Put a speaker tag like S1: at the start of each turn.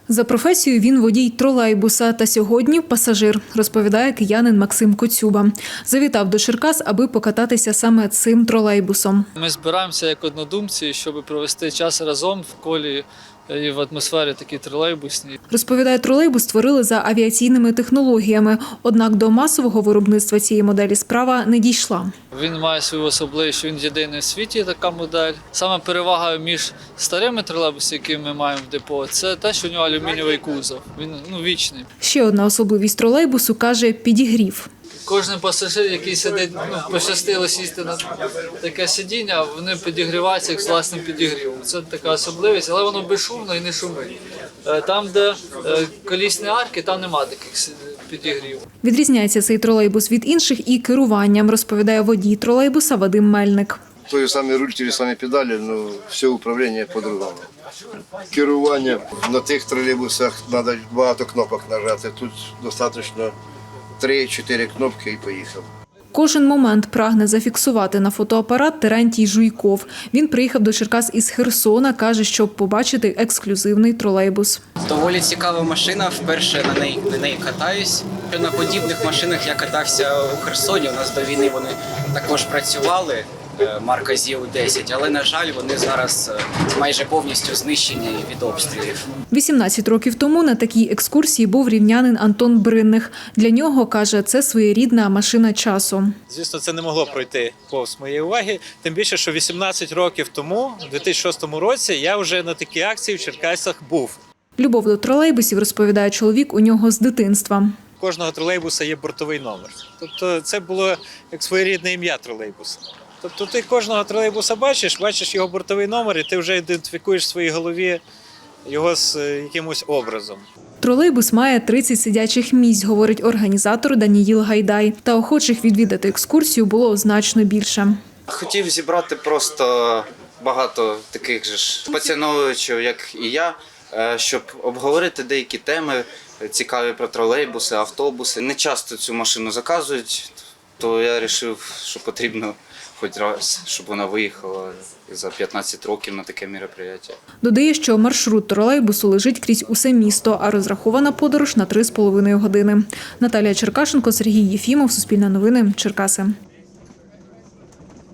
S1: За професією він водій тролейбуса та сьогодні пасажир, розповідає киянин Максим Коцюба. Завітав до Черкас, аби покататися саме цим тролейбусом.
S2: Ми збираємося як однодумці, щоб провести час разом в колі і в атмосфері такі тролейбусні.
S1: Розповідає, тролейбус створили за авіаційними технологіями, однак до масового виробництва цієї моделі справа не дійшла.
S2: Він має свою особливість, що він єдиний в світі така модель. Саме перевага між старими тролейбусами, які ми маємо в депо, це те, що у нього алюмінієвий кузов. Він вічний.
S1: Ще одна особливість тролейбусу, каже, підігрів.
S2: Кожен пасажир, який сидить, пощастило сісти на таке сидіння, вони підігріваються як з власним підігрівом. Це така особливість, але воно безшумно і не шумить. Там, де колісні арки, там немає таких підігрівів.
S1: Відрізняється цей тролейбус від інших і керуванням, розповідає водій тролейбуса Вадим Мельник.
S3: Той самий руль, ті самі педалі, але все управління по-другому. Керування на тих тролейбусах треба багато кнопок нажати, тут достатньо 3-4 кнопки і поїхав.
S1: Кожен момент прагне зафіксувати на фотоапарат Терентій Жуйков. Він приїхав до Черкас із Херсона, каже, щоб побачити ексклюзивний тролейбус.
S4: Доволі цікава машина, вперше на неї катаюсь. На подібних машинах я катався у Херсоні, у нас до війни вони також працювали, марка ЗІУ-10, але, на жаль, вони зараз майже повністю знищені від обстрілів.
S1: 18 років тому на такій екскурсії був рівнянин Антон Бринних. Для нього, каже, це своєрідна машина часу.
S5: Звісно, це не могло пройти повз моєї уваги, тим більше, що 18 років тому, у 2006 році, я вже на такій акції в Черкасах був.
S1: Любов до тролейбусів, розповідає чоловік, у нього з дитинства.
S5: У кожного тролейбуса є бортовий номер. Тобто це було як своєрідне ім'я тролейбуса. Тобто ти кожного тролейбуса бачиш його бортовий номер, і ти вже ідентифікуєш в своїй голові його з якимось образом.
S1: Тролейбус має 30 сидячих місць, говорить організатор Даніїл Гайдай. Та охочих відвідати екскурсію було значно більше.
S6: Хотів зібрати просто багато таких же ж поціновувачів, як і я, щоб обговорити деякі теми цікаві про тролейбуси, автобуси. Не часто цю машину заказують, то я вирішив, що потрібно хоч раз, щоб вона виїхала за 15 років на таке мероприятие.
S1: Додає, що маршрут тролейбусу лежить крізь усе місто, а розрахована подорож на 3,5 години. Наталія Черкашенко, Сергій Єфімов, Суспільне новини, Черкаси.